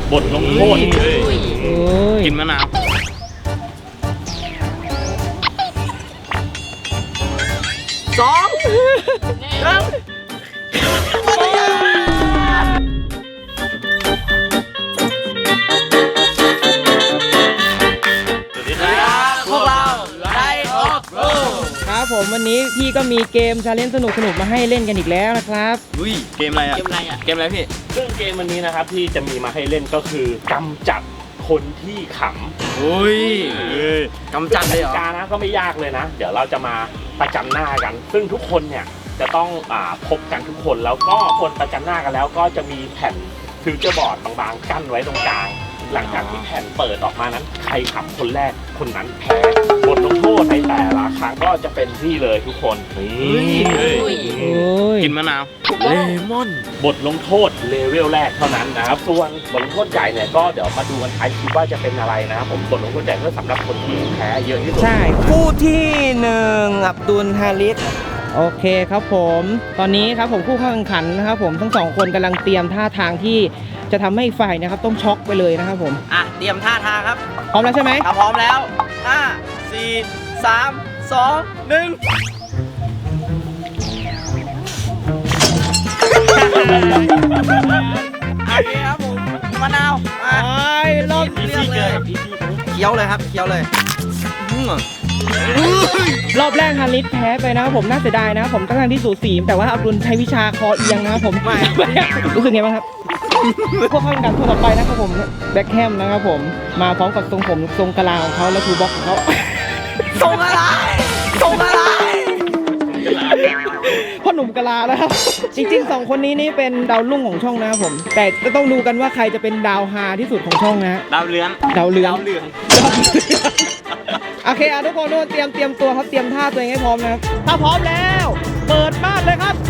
บทลงโทษกินมะนาว 2 พวกเราไดออฟโรครับผมวันนี้พี่ก็มีเกมชาเลนจ์สนุกมาให้เล่นกันอีกแล้วนะครับเกมอะไรอ่ะเกมอะไรพี่ซึ่งเกมวันนี้นะครับที่จะมีมาให้เล่นก็คือกำจัดคนที่ขำกำจัดเลยเหรอการนะก็ไม่ยากเลยนะ เดี๋ยวเราจะมาประจันหน้ากันซึ่งทุกคนเนี่ยจะต้องพบกันทุกคนแล้วก็คนประจันหน้ากันแล้วก็จะมีแผ่นฟิวเจอร์บอร์ดบางๆกั้นไว้ตรงกลางหลังจากที่แผ่นเปิดออกมานั้นใครขำคนแรกคนนั้นแพ้บทลงโทษในแต่ละครั้งก็จะเป็นที่เลยทุกคนกินมะนาวเลมอนบทลงโทษเลเวลแรกเท่านั้นนะครับส่วนบทลงโทษใหญ่เนี่ยก็เดี๋ยวมาดูกันท้ายคลิปว่าจะเป็นอะไรนะครับผมบทลงโทษใหญ่ก็สำหรับคนที่แพ้เยอะที่สุดใช่คู่ที่1อับดุลฮาริสโอเคครับผมตอนนี้ครับผมผู้เข้าแข่งขันนะครับผมทั้ง2คนกำลังเตรียมท่าทางที่จะทำให้อีกฝ่ายนะครับต้องช็อกไปเลยนะครับผมเตรียมท่าทางครับพร้อมแล้วใช่ไหมพร้อมแล้ว5 4 3 2 1โอเคครับผมมะนาวรอบเลือกเลยเคี้ยวเลยครับเคี้ยวเลยรอบแรกฮาริสแพ้ไปนะครับผมน่าเสียดายนะครับผมตั้งที่สูสีแต่ว่าอับดุลใช้วิชาคอเอียงนะครับผมไม่รู้สึกไงบ้างครับพวกเข้ากันคนต่อไปนะครับผมแบ็คแฮมนะครับผมมาพร้อมกับทรงผมทรงกะลาของเขาและทูบ็อกของเขาทรงอะไรพ่อหนุ่มกะลาแล้วครับจริงๆ2คนนี้นี่เป็นดาวรุ่งของช่องนะครับผมแต่จะต้องดูกันว่าใครจะเป็นดาวฮาที่สุดของช่องนะดาวเรืองโอเคทุกคนเตรียมตัวครับเตรียมท่าตัวเองให้พร้อมนะครับถ้าพร้อมแล้วเปิดบ้านเลยครับ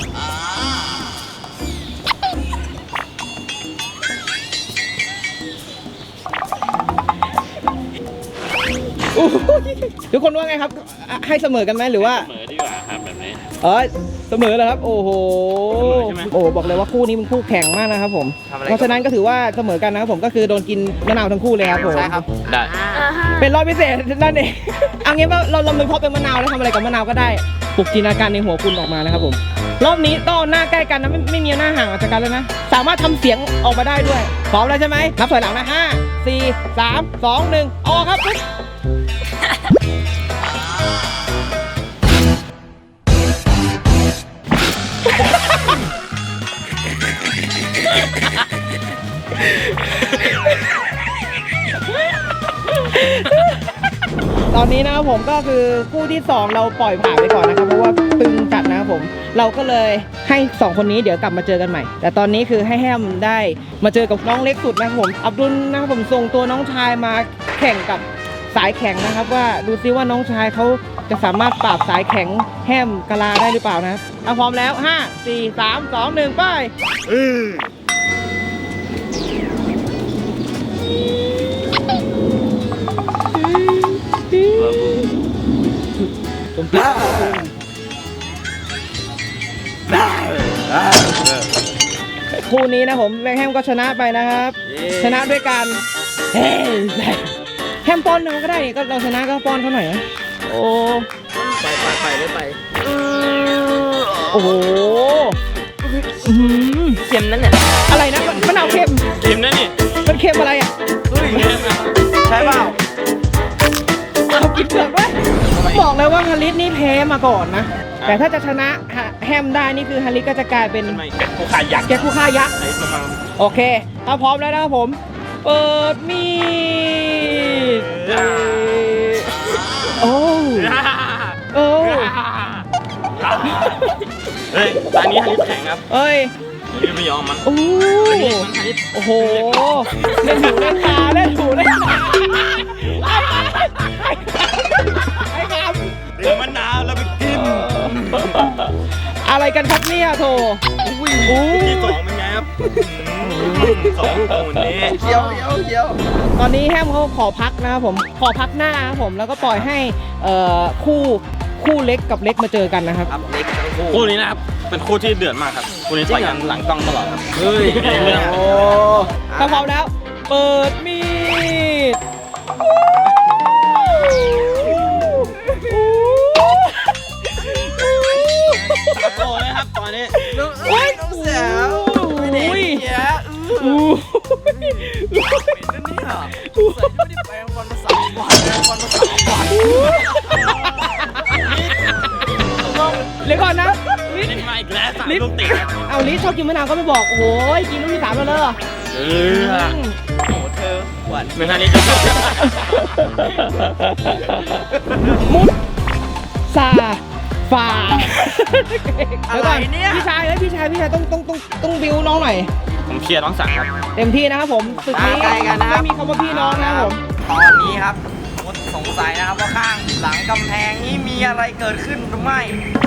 ทุกคนว่าไงครับให้เสมอกันไหมหรือว่าเสมอดีกว่าครับแบบนี้เสมอเลยครับโอ้โหบอกเลยว่าคู่นี้เป็นคู่แข่งมากนะครับผมเพราะฉะนั้นก็ถือว่าเสมอกันนะครับผมก็คือโดนกินมะนาวทั้งคู่เลยครับผมใช่ครับได้เป็นรอบพิเศษนั่นเองเอางี้ว่าเราเป็นเพราะเป็นมะนาวแล้วทำอะไรกับมะนาวก็ได้ปลุกจินตนาการในหัวคุณออกมานะครับผมรอบนี้ต้องหน้าใกล้กันนะไม่มีหน้าห่างออกจากกันแล้วนะสามารถทำเสียงออกมาได้ด้วยพร้อมแล้วใช่ไหมนับถอยหลังนะ5 4 3 2 1ออกครับตอนนี้นะครับผมก็คือคู่ที่2เราปล่อยผ่านไปก่อนนะครับเพราะว่าตึงจัดนะครับผมเราก็เลยให้2คนนี้เดี๋ยวกลับมาเจอกันใหม่แต่ตอนนี้คือให้แฮมได้มาเจอกับน้องเล็กสุดนะครับผมอับดุลนะครับผมส่งตัวน้องชายมาแข่งกับสายแข็งนะครับว่าดูซิว่าน้องชายเขาจะสามารถปราบสายแข็งแฮมกะลาได้หรือเปล่านะครับพร้อมแล้ว5 4 3 2 1ไปคู่นี้นะผมแบงค์แฮมก็ชนะไปนะครับชนะด้วยกันแฮมป้อนเราก็ได้ก็เราชนะก็ป้อนเขาหน่อยนะโอ้ไปโอ้โหเค็มนั่นเนี่ยอะไรนะมะนาวเค็มนั่นนี่มันเค็มอะไรอ่ะใช่เปล่าเอากินเปลือกด้วยบอกเลยว่าฮาริสนี่แพ้มาก่อนนะแต่ถ้าจะชนะแฮมได้นี่คือฮาริสก็จะกลายเป็นแกะคู่ฆ่ายักษ์โอเคถ้าพร้อมแล้วนะครับผมเปิดมีดโอ้เฮ้ยตอนนี้ฮาริสแข็งครับไม่ยอมมันโอ้โหเล่นหูเล่นตาไอ้ครับเดี๋ยวมะนาวแล้วไปกินอะไรกันครับเนี่ยโถที่2เป็นไงครับ2คนนี้เคี้ยวตอนนี้แฮมเขาขอพักนะครับผมขอพักหน้าครับผมแล้วก็ปล่อยให้คู่เล็กกับเล็กมาเจอกันนะครับเล็กทั้งคู่นี้นะครับเป็นคู่ที่เดือดมากครับคู่นี้ต่อยกันหลังกล้องตลอดครับเฮ้ยโอ้ถ้าพร้อมแล้ว เปิดมีดตาโตเลยครับตอนนี้โอ้ยน้องสาวไม่ได้เยอะเดี๋ยวก่อนนะลิศลิ้นมาอีกแล้ว3 ลูกติดครับเอาลิศชอบกินมะนาวก็ไม่บอก โอ้โหกินลูกที่3แล้วเลยโอ้เธอหวานเหมือนอันนี้จะชอบมุดซาฝาอะไรเนี่ยพี่ชายต้องบิวน้องหน่อยผมเชียร์น้องสังครับเต็มที่นะครับผมศึกนี้ไม่มีคำว่าพี่น้องนะครับผมตอนนี้ครับมดสงสัยนะครับว่าข้างหลังกำแพงนี้มีอะไรเกิดขึ้นหรือไม่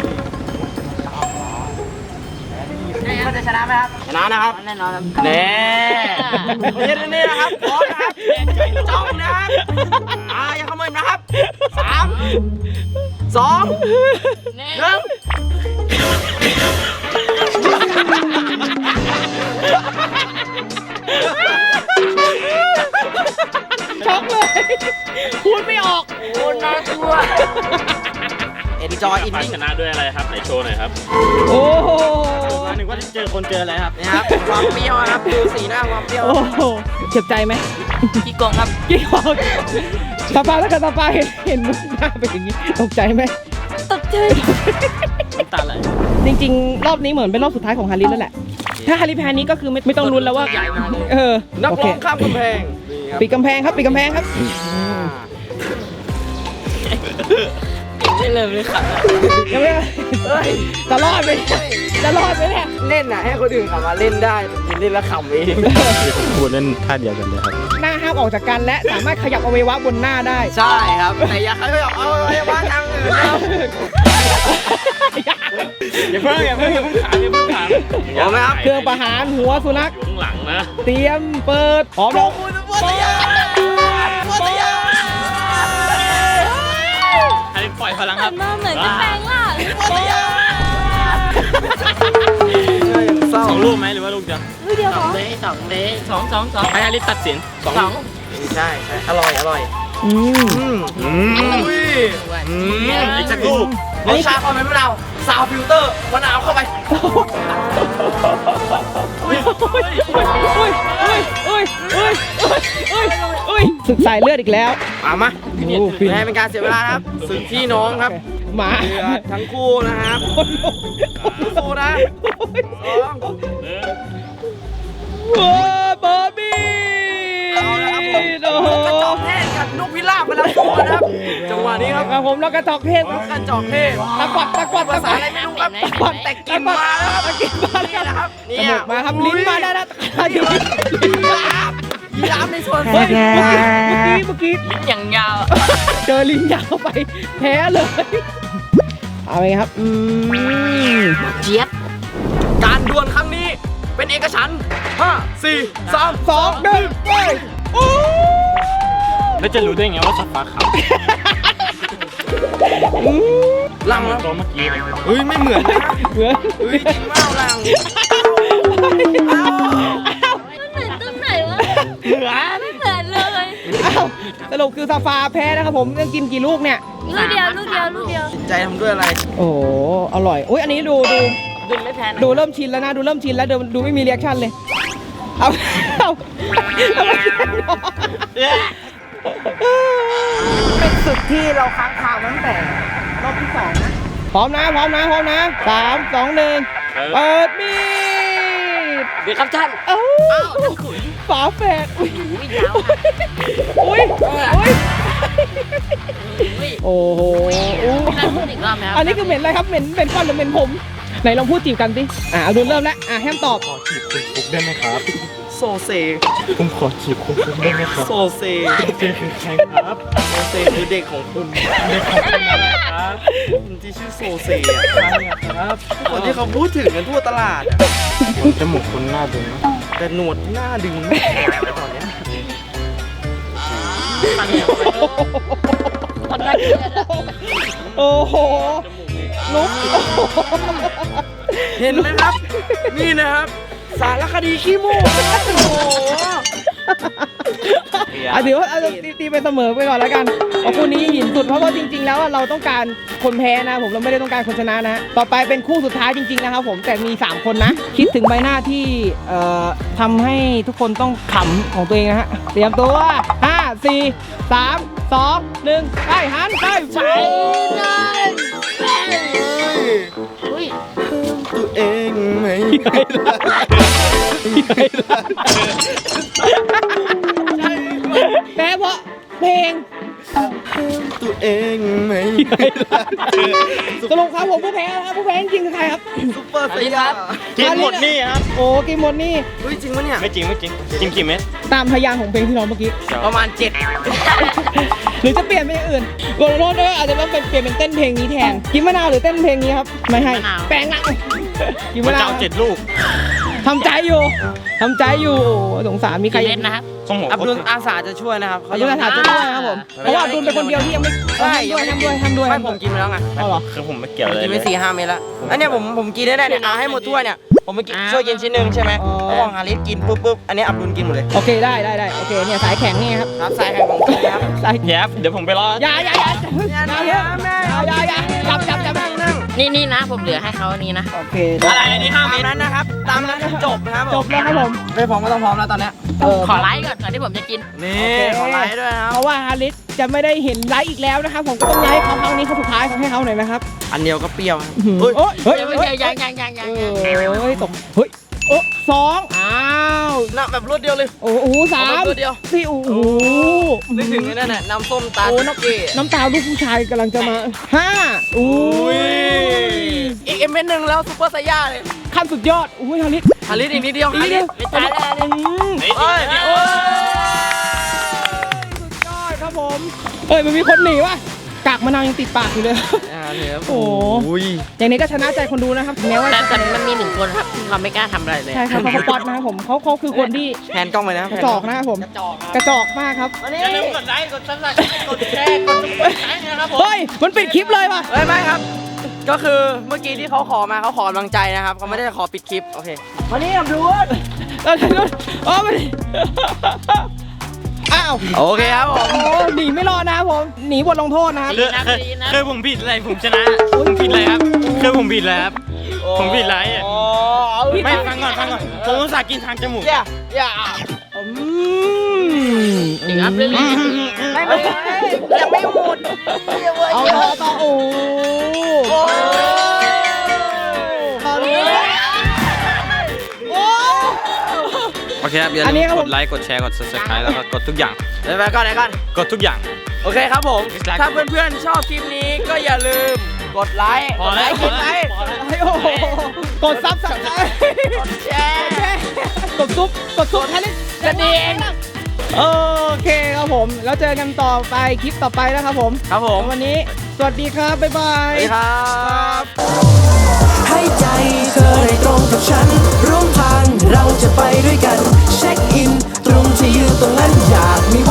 มันจะชนะไหมครับชนะนะครับแน่นอนครับแน่นี่นะครับพร้อมนะครับจ้องนะครับอย่าขโมยนะครับ3 2 1 ช็อกเลยพูดไม่ออกโอ้น่ากลัว Enjoy ฝ่าย eating ชนะด้วยอะไรครับไหนโชว์หน่อยครับโอ้โหมาหนึ่งว่าเจอคนเจออะไรครับนี่ครับความเปรี้ยวนะครับดูสีหน้าความเปรี้ยวโอ้โหเจ็บใจไหมขี้โกงครับกี่ขอกตาปาแล้วกันตาปาเห็นมุกหน้าเป็นอย่างนี้ตกใจไหมตกใจน้ำตาไหลจริงๆ รอบนี้เหมือนเป็นรอบสุดท้ายของฮาริสแล้วแหละ ถ้าฮาริสแพ้นี้ก็คือไม่ต้องลุ้นแล้วว่านักโอร้เคองข้ามกำแพงปิดกำแพงครับปิดกำแพงครับไม่เลยไม่ขัดยังไม่จะรอดไหมจะรอดไหมเนี่ยเล่นน่ะให้คนอื่นขับมาเล่นได้กินเล่นแล้วขำเองพูดเล่นท่าเดียวกันเลยครับหน้าห้ามออกจากกันและสามารถขยับอวัยวะบนหน้าได้ใช่ครับแต่อย่าเขาเอาไว้ว่าทางอื่นครับอย่าเพิ่งถามพร้อมไหมครับเครื่องประหารหัวสุนัขอยู่ข้างหลังนะเตรียมเปิดพร้อมแล้วอันนี้ปล่อยพลังครับมาเหมือนจะแปลงร่าง 2 ลูกไหมหรือว่าลูกเดียววิดีโอขอ 2 ให้ฮาริสตัดสิน2 ลูกใช่อร่อยอืมอีกสักลูกรสชาติความเป็นมะนาวซาวฟิลเตอร์มะนาวเข้าไปศึกสายเลือดอีกแล้วมาโอ้ฟินให้เป็นการเสียเวลาครับสึกพี่น้องครับหมาเดือดทั้งคู่นะครับสู้นะ2 โอ้บอบบี้เอาละครับผมโอ้โหกระจอกเทศกับนกพิราบมาแล้วตัวนะครับจังหวะนี้ครับครับผมแล้วกระจอกเทศกระจอกเทศตะกวัดภาษาอะไรไม่รู้ครับตะกวัดแต่กินมาแล้วครับกินมานี่แล้วนะครับจมูกมาครับลิ้นมาได้แล้วยีราฟในส่วนเฮ้ยเมื่อกี้ลิ้นอย่างยาวเจอลิ้นยาวไปแพ้เลยเอาไงครับเจี๊ยบการดวลครั้งนี้เป็นเอกฉันท์5 4 3 2 1ไปโอ้แล้วจะรู้ได้ไงว่าสัตว์ฟ้าขาวลังเหมือแล้นวตัวเมื่อกี้เลยเฮ้ยไม่เหมือนนะเหมือนเฮ้ยจริงมากลังมันเหมือนตรงไหนวะไม่เหมือนเลยอ้าวสรุปคือซาฟาแพ้นะครับผมต้องกินกี่ลูกเนี่ยลูกเดียวใจทำด้วยอะไรโอ้โหอร่อยอุ้ยอันนี้ดูดึงไม่แพ้นะดูเริ่มชินแล้วนะดูเริ่มชินแล้วดูไม่มีเรีแอคชั่นเลยเอาเป็นศึกที่เราค้างคามาตั้งแต่รอบที่2นะพร้อมนะ3 2 1เปิดมีดเดี๋ยวครับท่านเอ้าฝาแฝดอุ้ยโอ้โหอันนี้คือเหม็นอะไรครับเหม็นก้อนหรือเหม็นผมไหนลองพูดจีบกันสิเอาดูเริ่มแล้วแฮมตอบขอจีบคุณฟุกได้ไหมครับโซเซผมขอจีบคุณฟุกได้ไหมครับโซเซเจอคือใครครับโซเซคือเด็กของคุณเด็กของคุณนะครับคนที่ชื่อโซเซอ่ะใครอะครับคนที่เขาพูดถึงกันทั่วตลาดอ่ะจมูกคุณหน้าดึงนะแต่หนวดหน้าดึงไม่แข็งแล้วตอนเนี้ยโอ้โหนุ๊กเห็นไหมครับ นี่นะครับ สารคดีขี้มูกนะครับโอ้โหถือว่าเอาตีไปเสมอไปก่อนแล้วกันเพราะคู่นี้หินสุดเพราะว่าจริงๆแล้วเราต้องการคนแพ้นะผมเราไม่ได้ต้องการคนชนะนะต่อไปเป็นคู่สุดท้ายจริงๆนะครับผมแต่มี3คนนะคิดถึงใบหน้าที่ทำให้ทุกคนต้องขำของตัวเองนะฮะเตรียมตัว5 4 3 2 1ไปหันไปใช้อุ้ยตัวเองไหมแพ้เพราะเพลงตัวเองไหมสรุปครับผมผู้แพ้นะครับผู้แพ้จริงๆคือใครครับซุปเปอร์สยามกินหมดนี่ครับโอ้กินหมดนี่เฮ้ยจริงปะเนี่ยไม่จริงไม่จริงกินกี่เม็ดตามพยางค์ของเพลงที่ร้องเมื่อกี้ประมาณหรือจะเปลี่ยนเป็นอย่างอื่นโกโรโรอาจจะต้องเปลี่ยนเป็นเต้นเพลงนี้แทนกินมะนาวหรือเต้นเพลงนี้ครับไม่ให้แปลงละกินมัมะนนาจะวเอา7 ลูกทำใจอยู่โอ้สงสารมีใครเล่นนะครับของผมอับดุลอาสาจะช่วยนะครับอายุราชาจะด้วยนะครับผมเพราะว่าอับดุลเป็นคนเดียวที่ยังไม่ใช่ทำด้วยไม่ผมกินไปแล้วไงเอาเหรอคือผมไม่เกี่ยวเลยกินไป4-5 เม็ดแล้วอันเนี้ยผมกินได้เนี่ยเอาให้หมดถ้วยเนี่ยผมไปกินช่วยกินชิ้นหนึ่งใช่ไหมแล้วของฮาริสกินปุ๊บอันนี้อับดุลกินหมดเลยโอเคได้โอเคเนี่ยสายแข็งนี่ครับครับสายแข่งของจริงครับสายแยบเดี๋ยวผมไปรออย่าจับนั่งนี่นะผมเหลือให้เขาอันนี้นะโอเคอะไรอันนี้5 ตามเม็ดนั้นนะครับตามนั้นจบนะครับจบแล้วครับผมไม่พร้อมก็ต้องพร้อมแล้วตอนเนี้ยขอไลค์ก่อนที่ผมจะกินนี่ขอไลค์ด้วยนะครับเพราะว่าฮาริสจะไม่ได้เห็นไลฟ์อีกแล้วนะครับผมก็ต้องย้ายเขาครั้งนี้เขาสุดท้ายให้เขาหน่อยนะครับอันเดียวก็เปรี้ยวครับเฮ้ยยังตกเฮ้ยโอ้2อ้าวน่ะแบบรวดเดียวเลยโอ้โห3 รวดเดียว 4โอ้โหนึกถึงไอ้นั่นน่ะน้ำส้มตาโอ้โอเคน้ำตาลูกผู้ชายกำลังจะมา5อุ้ยอีกเม็ดหนึ่งแล้วซุปเปอร์ไซย่าเลยขั้นสุดยอดอุ้ยฮาริสฮาริสอีกนิดเดียวอีกนิดเดียวไม่ตายแล้วเฮ้ยสุดยอดครับผมมันมีคนหนีว่ะกากมะนาวยังติดปากอยู่เลย โอ้โหอย่างนี้ก็ชนะใจคนดูนะครับแม้ว่าแต่มันมี1 คนครับที่เขาไม่กล้าทำอะไรเลยใช่ครับเขาป๊อตนะครับผมเขาคือคนที่แผนกล้องไปนะกระจอกนะครับผมกระจอกมากครับอย่าลืมกดไลค์กดซับสไครต์กดแชร์กดซุปเปอร์ไลค์นะครับผมเฮ้ยมันปิดคลิปเลยว่ะเฮ้ยไม่ครับ ก็คือเมื่อกี้ที่เขาขอมาเขาขอกำลังใจนะครับเขาไม่ได้ขอปิดคลิปโอเคมานี่ครับดูมาดิอ้าวโอเคครับผมโอ้หนีไม่รอดนะครับผมหนีบทลงโทษนะครับคือผมผิดอะไรผมชนะผมผิดอะไรครับคือผมผิดอะไรครับผมผิดอะไรไม่ฟังก่อนผมอุตส่าห์กินทางจมูกอย่าจริงครับเรื่องนี้ไม่ยังไม่หมดเอาต่อโอ้ตอนนี้โอ้โอเคครับอย่าอันนี้ลืครับมผมกดไลค์กดแชร์กด subscribe แล้วก็กดทุกอย่างเดี๋ยวไปก่อนกดทุกอย่างโอเคครับผม ถ้าเพื่อนๆชอบคลิปนี้ก็อย่าลืมกดไลค์พอแล้วกดไลค์โอ้โหกดซับสไครต์แชร์กดซุปให้เล่นกระดิ่งโอเคครับผมแล้วเจอกันต่อไปคลิปต่อไปนะครับผมครับผมวันนี้สวัสดีครับบ๊ายบาสวัยสดีครับให้ใจเธอได้ตรงกับฉัน ร่วมทางเราจะไปด้วยกัน เช็คอิน ตรงที่ยืนตรงนั้นอยากมี